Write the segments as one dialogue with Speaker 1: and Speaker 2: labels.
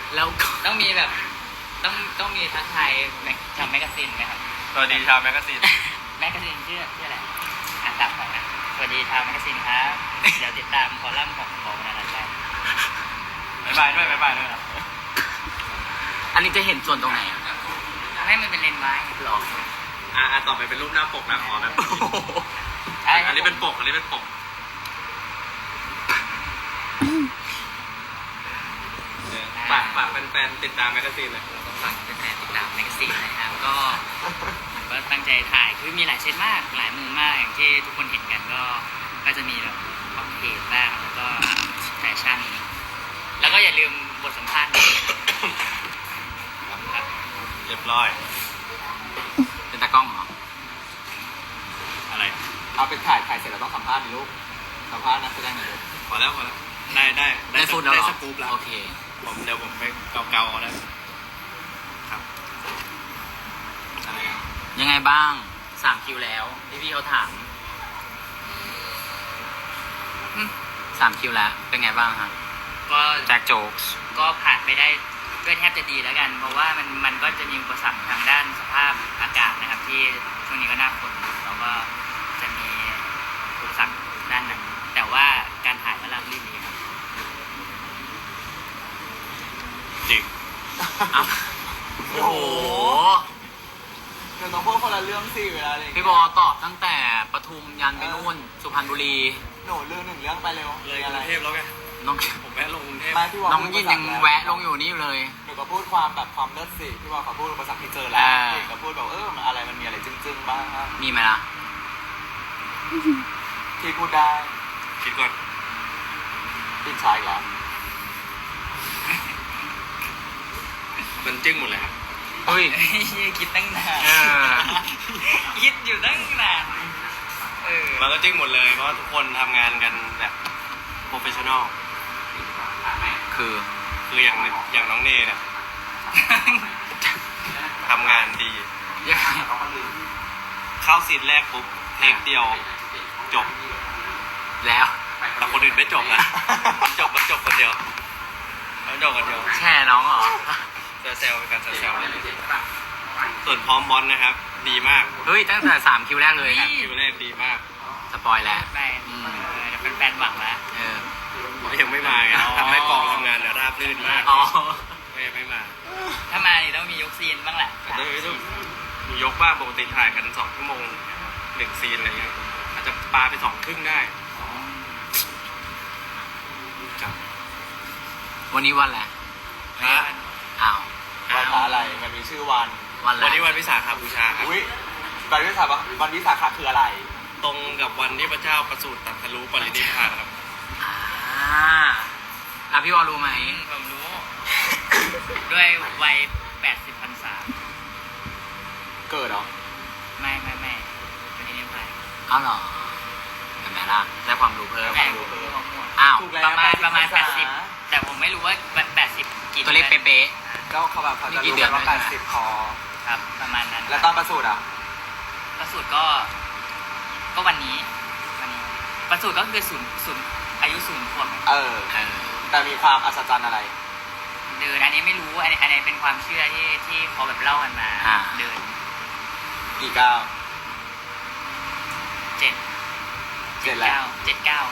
Speaker 1: แล้วก็
Speaker 2: ต้องมีแบบต้องมีทักทายทางแมกกาซีนไหมครับ
Speaker 3: สวัสดีชาวแมกกาซีน
Speaker 2: แมกกาซีนชื่ออะไรถามก่อนนะสวัสดีชาวแมกกาซีนครับเดี๋ยวติดตามคอลัมน์ของวันนั้นได้
Speaker 3: บ๊ายบายด้วยนะ
Speaker 1: อันนี้จะเห็นส่วนตรงไหนอะ
Speaker 2: ให้มันเป็นเลนส์ไม้
Speaker 1: หรอ
Speaker 3: ต่อไปเป็นรูปหน้าปกนะขอแบบอันนี้เป็นปกฝากแฟนๆติดตามแมกกาซีนเลย
Speaker 2: ฝากแฟนๆติดตามแมกกาซีนนะครับก็ผมก็ตั้งใจถ่ายคือมีหลายเซตมากหลายมุมมากอย่างที่ทุกคนเห็นกันก็จะมีแบบคอมเพลตบ้างแล้วก็แฟชั่นแล้วก็อย่าลืมบทสัมภาษณ์ครับ
Speaker 3: เรียบร้อย
Speaker 1: เป็นตากล้องเหรอ
Speaker 3: อะไร
Speaker 4: เอาเป็นถ่ายเสร็จแล้วต้องสัมภาษณ์ดิลูกสัมภาษณ์นักแสดงหน่อยลูก
Speaker 3: พอแล้วได้
Speaker 1: ฟูดแล้ว
Speaker 3: ได้
Speaker 1: เหรอ
Speaker 3: สกู๊ปแล้ว
Speaker 1: โอเค
Speaker 3: เดี๋ยวผมไปเกาเอาได้ครับอะไรอ่ะ
Speaker 1: ยังไงบ้าง3 คิวแล้วพี่เขาถาม3 คิวแล้วเป็นไงบ้างครับ
Speaker 2: ก็
Speaker 1: แจ็คโจ๊กส์
Speaker 2: ก็ผ่านไปได้ด้วยแทบจะดีแล้วกัน เพราะว่ามันก็จะมีอุปสรรคทางด้านสภาพอากาศนะครับ ที่ช่วงนี้ก็หน้าฝนแล้วก็จะมีอุปสรรคด้านนั้นแต่ว่าการถ่ายก็ราบรื่นดีครับ
Speaker 3: จริง
Speaker 1: โอ้โห
Speaker 4: เดี๋ยวต้องพูดคนละเรื่องสิเวลาอะไรอย่าง
Speaker 1: พี่
Speaker 4: เงี้ย
Speaker 1: บอตอบตั้งแต่ปทุมยันไปนู่นสุพรรณบุรี
Speaker 4: หนูเรื่องหนึ่งเรื่องไปเร็ว
Speaker 3: เลยก
Speaker 4: อะไร
Speaker 3: รุงเทพแล้วไง
Speaker 1: น้อง
Speaker 3: ผมแวะลงกรุงเทพ
Speaker 4: ไม่พี่วอล
Speaker 1: น้องยินยังแวะลงอยู่นี่อยู่เลย
Speaker 4: หนูก็พูดความแบบความเลิศสิพี่วอลเขาพูดอุปสรรคที่เจอแล้ว
Speaker 1: อ่า
Speaker 4: เองก็พูดแบบมันอะไรมันมีอะไรจึ้งๆบ้างครับ
Speaker 1: มีไหมล่ะ
Speaker 4: ที่พูดได้
Speaker 3: คิดก่อน
Speaker 4: ติดชายอีกแล้ว
Speaker 3: มันจึ้งหมดเลยครับ
Speaker 1: เฮ้ย
Speaker 2: คิดตั้งนาน
Speaker 1: เออ
Speaker 2: คิดอยู่ตั้งนานเออ
Speaker 3: มันก็จึ้งหมดเลยเพราะทุกคนทำงานกันแบบโปรเฟชชั่นอล
Speaker 1: คือ
Speaker 3: คืออย่างน้องเนเนี่ยทำงานดี
Speaker 1: ยังไง
Speaker 3: เข้าซีนแรกปุ๊บเทคเดียวจบ
Speaker 1: แล้ว
Speaker 3: แต่คนอื่นไม่จบนะมันจบคนเดียวมันจบคนเดียว
Speaker 1: แช่น้องเหรอ
Speaker 3: แซวๆเป็นการแซวๆเลยส่วนพร้อมบอลนะครับ ดีมาก
Speaker 1: เฮ้ย ตั้งแต่3 คิวแรกเลย
Speaker 3: คิวแรกดีมาก
Speaker 1: สปอยแล้ว
Speaker 2: ไปเดี๋ยวแฟนๆหวังแล้ว
Speaker 1: เออ
Speaker 3: เพราะยังไม่มาไง
Speaker 1: อ๋อ
Speaker 3: ทำให้กองทำงานเนี่ยราบรื่นมาก
Speaker 1: อ๋อ
Speaker 3: ก็ยังไม่มา
Speaker 2: ถ้ามานี่ต้องมียกซีนบ้างแหละ
Speaker 3: แต่ต้องมียกบ้างปกติถ่ายกัน2 ชั่วโมง1 ซีนอะไรเงี้ยอาจจะปาไป2 ครึ่งได้ครับ
Speaker 1: วันนี้วันอะไร
Speaker 3: พระ
Speaker 1: อ้าว
Speaker 4: วันพระอะไรมันมีชื่อวัน
Speaker 1: วันอะไร
Speaker 3: วันนี้วันวิสาขบูชาครับ
Speaker 4: อุ้ยวันวิสาขะวันวิสาขะคืออะไร
Speaker 3: ตรงกับวันที่พระเจ้าประสูติตรัสรู้ปรินิพพานครับ
Speaker 1: อ่าพี่วอลรู้ไหม
Speaker 2: ผมรู้ ด้วยวัย80 พรรษา
Speaker 4: เกิดเหรอ
Speaker 2: ไม่วันนี้เนี่ยไป
Speaker 1: อ้าวเหรอเห็นไหมล่ะได้ความรู้เพิ่ม
Speaker 2: แต่ผมรู้ข้อมูล
Speaker 1: อ้าว
Speaker 4: ถูกแล้ว
Speaker 2: ประมาณ
Speaker 4: 80
Speaker 2: 80 แต่ผมไม่รู้ว่า80กี่
Speaker 1: ตัวเลขเป๊ะ
Speaker 4: ก็เขาแบบเขาจะ
Speaker 1: มีกี่
Speaker 4: รู้
Speaker 1: เดือน
Speaker 4: ว่า
Speaker 1: ด้วยนะ
Speaker 4: 80พอ
Speaker 2: ครับประมาณนั้น
Speaker 4: แล้วตอนประสูติอ่ะ
Speaker 2: ประสูติก็วันนี้ประสูติก็คือศูนย์อายุ0 ขวบ
Speaker 1: ๆเออ
Speaker 4: แต่มีความอัศจรรย์อะไร
Speaker 2: เดินอันนี้ไม่รู้อันนี้เป็นความเชื่อที่เขาแบบเล่ากันมา
Speaker 1: อ่า
Speaker 2: เดิน
Speaker 4: กี่ก้าว
Speaker 2: 7
Speaker 4: 7แล้ว
Speaker 2: 7 9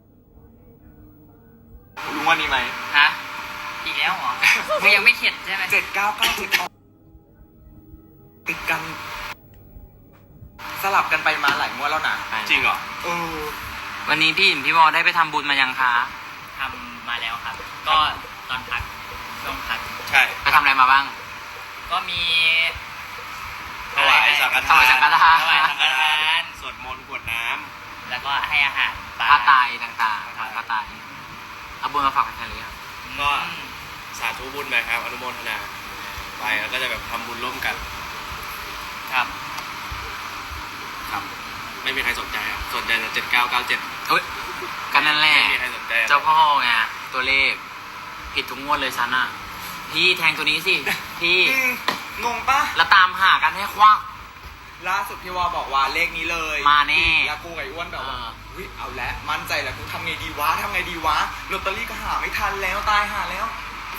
Speaker 4: รู้ว่านี้ไหม
Speaker 2: ฮะอีกแล้วเหรอ มันยังไม่เข็ดใช่ไหม
Speaker 4: 7 9 9 7ติดกัน สลับกันไปมาหลายงวดแล้วนะ
Speaker 3: จริงเหรอ
Speaker 1: วันนี้พี่วอลได้ไปทำบุญมายังคะ
Speaker 2: ทำมาแล้วครับ ก็ตอนพักช่วงพัก
Speaker 3: ใช่
Speaker 1: ไปทำอะไรมาบ้าง
Speaker 2: ก็มี
Speaker 3: ถวายสังฆ
Speaker 1: ถวายสังฆทาน
Speaker 2: ถวายสังฆทาน
Speaker 3: สวดมนต์กรวดน้ำ
Speaker 2: แล้วก็ให้อาหารปลา
Speaker 1: ผ้าตายต่างๆถวายผ้าตายเอาบุญมาฝากใครเลยครับ
Speaker 3: ก็ สาธุบุญไปครับ อนุโมทนาไปแล้วก็จะแบบทำบุญร่วมกัน
Speaker 2: ครับ
Speaker 3: ครับ ไม่มีใครสนใจครับสนใจแต่7997
Speaker 1: เฮ้ยกันนั่นแหละ
Speaker 3: ไม่มีใครสนใจ
Speaker 1: เจ้าพ่อไงตัวเลข ผิดทุกงวดเลยฉันอ่ะ พี่แทงตัวนี้สิ พี่
Speaker 4: งงปะ
Speaker 1: แล้วตามหากันให้ควัก
Speaker 4: ล่าสุดพี่วอบอกว่าเลขนี้เลย
Speaker 1: มาแน่
Speaker 4: แล้วกูกับไอ้อ้วนแบบว่า
Speaker 1: เออ
Speaker 4: เฮ้ยเอาแล้วมั่นใจแล้วกูทำไงดีวะลอตเตอรี่ก็หาไม่ทันแล้วตายหาแล้ว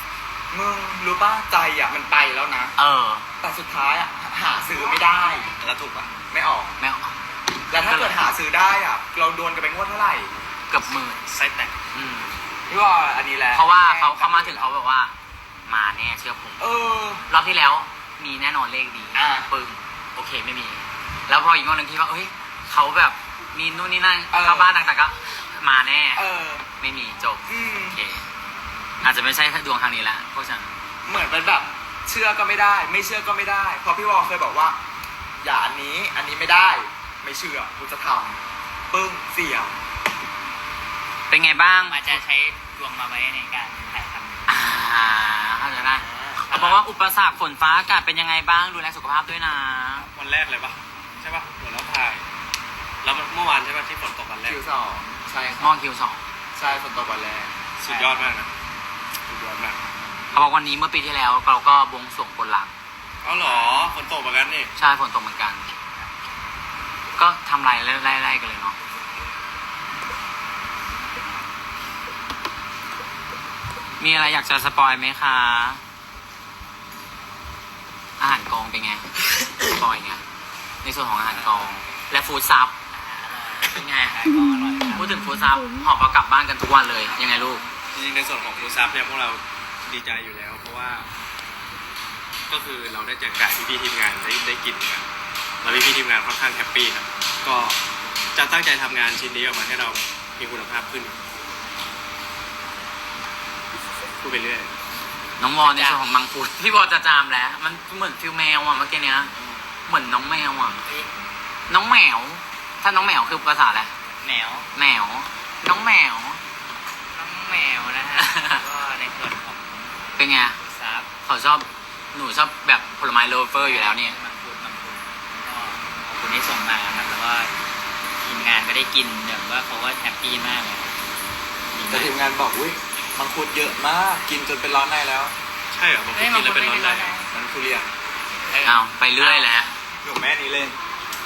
Speaker 4: มึงรู้ป่ะใจอ่ะมันไปแล้วนะ
Speaker 1: เออ
Speaker 4: แต่สุดท้ายอ่ะหาซื้อไม่ได้
Speaker 3: แล้วถูกปะ
Speaker 4: ไม่ออก
Speaker 1: ไม่เอา
Speaker 4: แล้วถ้าเกิดหาซื้อได้อ่ะ เราโดนกันไปงวดเท่าไหร่
Speaker 1: เกือบหมื่น
Speaker 3: ไส้แตก
Speaker 1: อืม
Speaker 4: พี่ว่าอันนี้แหละ
Speaker 1: เพราะว่าเขามาถึงเขาบอกว่า มาแน่เชื่อผม
Speaker 4: เออ
Speaker 1: รอบที่แล้วมีแน่นอนเลขดี
Speaker 4: อ่า
Speaker 1: ปึ้งโอเคไม่มี แล้วพออีกงวดหนึ่งที่ว่าเอ้ยเขาแบบมีนู่นนี่นั่นเข้าบ้านต่างๆก็มาแน่
Speaker 4: เออ
Speaker 1: ไม่มีจบ
Speaker 4: อืม
Speaker 1: โอเค อาจจะไม่ใช่ดวงทางนี้ละพวกฉัน
Speaker 4: เหมือนเป็นแบบเชื่อก็ไม่ได้ ไม่เชื่อก็ไม่ได้เพราะพี่วอเคยบอกว่า อย่าอันนี้ไม่ได้ ไม่เชื่อกูจะทำปึ้งเสีย
Speaker 1: เป็นไงบ้าง
Speaker 2: อาจจะใช้ดวงมาไว้ในการถ่ายทำ
Speaker 1: เข้าใจได้เขาบอกว่าอุปสรรคฝนฟ้าอากาศเป็นยังไงบ้างดูแลสุขภาพด้วยนะ
Speaker 3: วันแรกเลยปะใช่ปะเหมือนเราถ่ายแล้วเมื่อวานใช่ปะที่ฝนตกวันแรก
Speaker 4: คิวสองใช่ค
Speaker 1: มอ
Speaker 4: รับ
Speaker 1: งคิวสอง
Speaker 4: ใช่ฝนตกวันแรก
Speaker 3: สุดยอดมากนะสุดยอดมาก
Speaker 1: เขาบอกวันนี้เมื่อปีที่แล้วเราก็บวงสรวงบนหลัก
Speaker 3: อ๋อเหรอฝนตกเหมือนกันนี่
Speaker 1: ใช่ฝนตกเหมือนกัน ก็ทำไรไล่กันเลยเนาะมีอะไรอยากจะสปอยไหมคะ อาหารกองเป็นไง สปอยไงในส่วนของอาหารกอง และฟู้ดซับเป็นไง
Speaker 2: ถ่ายก็อร่อยครับ
Speaker 1: พูดถึงฟู้ดซับหอบเอากลับบ้านกันทุกวันเลย ยังไงลูก
Speaker 3: จริงๆในส่วนของฟูซับเนี่ยพวกเราดีใจอยู่แล้ว เพราะว่า ก็คือเราได้แจกจ่ายพี่ๆทีมงานได้กินกันแล้วพี่ๆทีมงานค่อนข้างแฮปปี้ครับก็จะตั้งใจทำงานชิ้นนี้ออกมาให้เรามีคุณภาพขึ้นพูดไปเรื่อย
Speaker 1: น้องวอในส่วนของมังคุดพี่วอจะจามแล้ว มันเหมือนฟิลแมวอ่ะเมื่อกี้เนี้ย เหมือนน้องแมวอ่ะ น้องแมว ถ้าน้องแมวคือภาษาอะไร
Speaker 2: แมว
Speaker 1: แมว น้องแมว
Speaker 2: น้องแมวนะฮะ ก็ในส่วนของ
Speaker 1: เป็นไง
Speaker 2: ซับ
Speaker 1: เขาชอบ หนูชอบแบบผลไม้โลเฟอร์อยู่แล้วเนี่ย
Speaker 2: มังคุดก็ขอบคุณที่ส่งมาครับแล้วก็ทีมงานก็ได้กินแบบว่าเขาก็แฮปปี้มากเลยดี
Speaker 4: แต่
Speaker 2: มาก
Speaker 4: ทีมงานบอกอุ้ยมังคุดเยอะมากกินจนเป็นร้อนในแล้ว
Speaker 3: ใช่เหรอบางคนกินแล้วเป็นร้อนใน
Speaker 4: มันทุเรียน
Speaker 1: เอาไปเรื่อยแล้ว
Speaker 4: หนูแม่นี้เล่น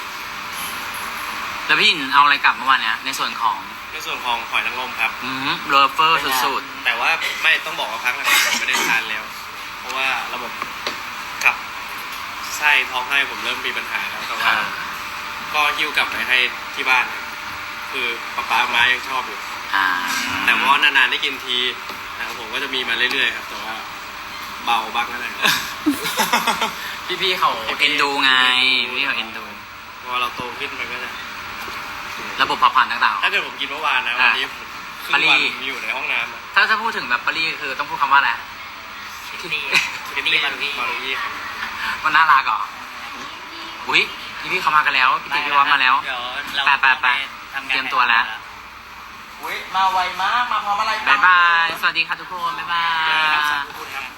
Speaker 1: แล้วพี่อินเอาอะไรกลับเมื่อวานเนี้ยในส่วนของ
Speaker 3: ในส่วนของหอยนางรมครับ
Speaker 1: โลเฟอร์สุด
Speaker 3: แต่ว่าไม่ต้องบอกว่าพักหลังๆผมไม่ได้ทานแล้ว เพราะว่าระบบกับไส้ท้องไส้ผมเริ่มมีปัญหาแล้วแต่ว่า ก็หิ้วกลับไปให้ที่บ้านครับคือป๊าม้ายังชอบอยู่ แต่ว่านานๆได้กินทีนะครับผมก็จะมีมาเรื่อยๆครับแต่ว่าเบาบ้างนั่นแหละ
Speaker 1: พี่ๆเขาเอ็นดูไง พี่เขาเอ็นดู
Speaker 3: พอเราโตขึ้นมันก็จะ
Speaker 1: ระบบเผาผลาญต่าง
Speaker 3: ถ้าเกิดผมกินเมื่อวานนะวันนี้ผมครึ่ง
Speaker 1: ปารี
Speaker 3: วันมีอยู่ในห้องน้ำอะ
Speaker 1: ๆ ถ้าพูดถึงแบบปารีคือต้องพูดคำว่าอะไร
Speaker 2: คิตตี้คิตตี้มารุกี้
Speaker 3: มารุยี่ครับ
Speaker 1: มันน่ารักเหรอ อุ้ยพี่ๆเขามากันแล้ว พี่ติพี่วัดมาแล้ว
Speaker 2: เดี๋ยวเรา
Speaker 1: ไป
Speaker 2: ทำงาน
Speaker 1: เตรียมตัวแล้ว
Speaker 4: อุ้ยมาไวมากมาพร้อมอะไร
Speaker 1: บ๊ายบาย สวัสดีค่ะทุกคน บ๊ายบาย
Speaker 3: ครับสาธุคุณครับ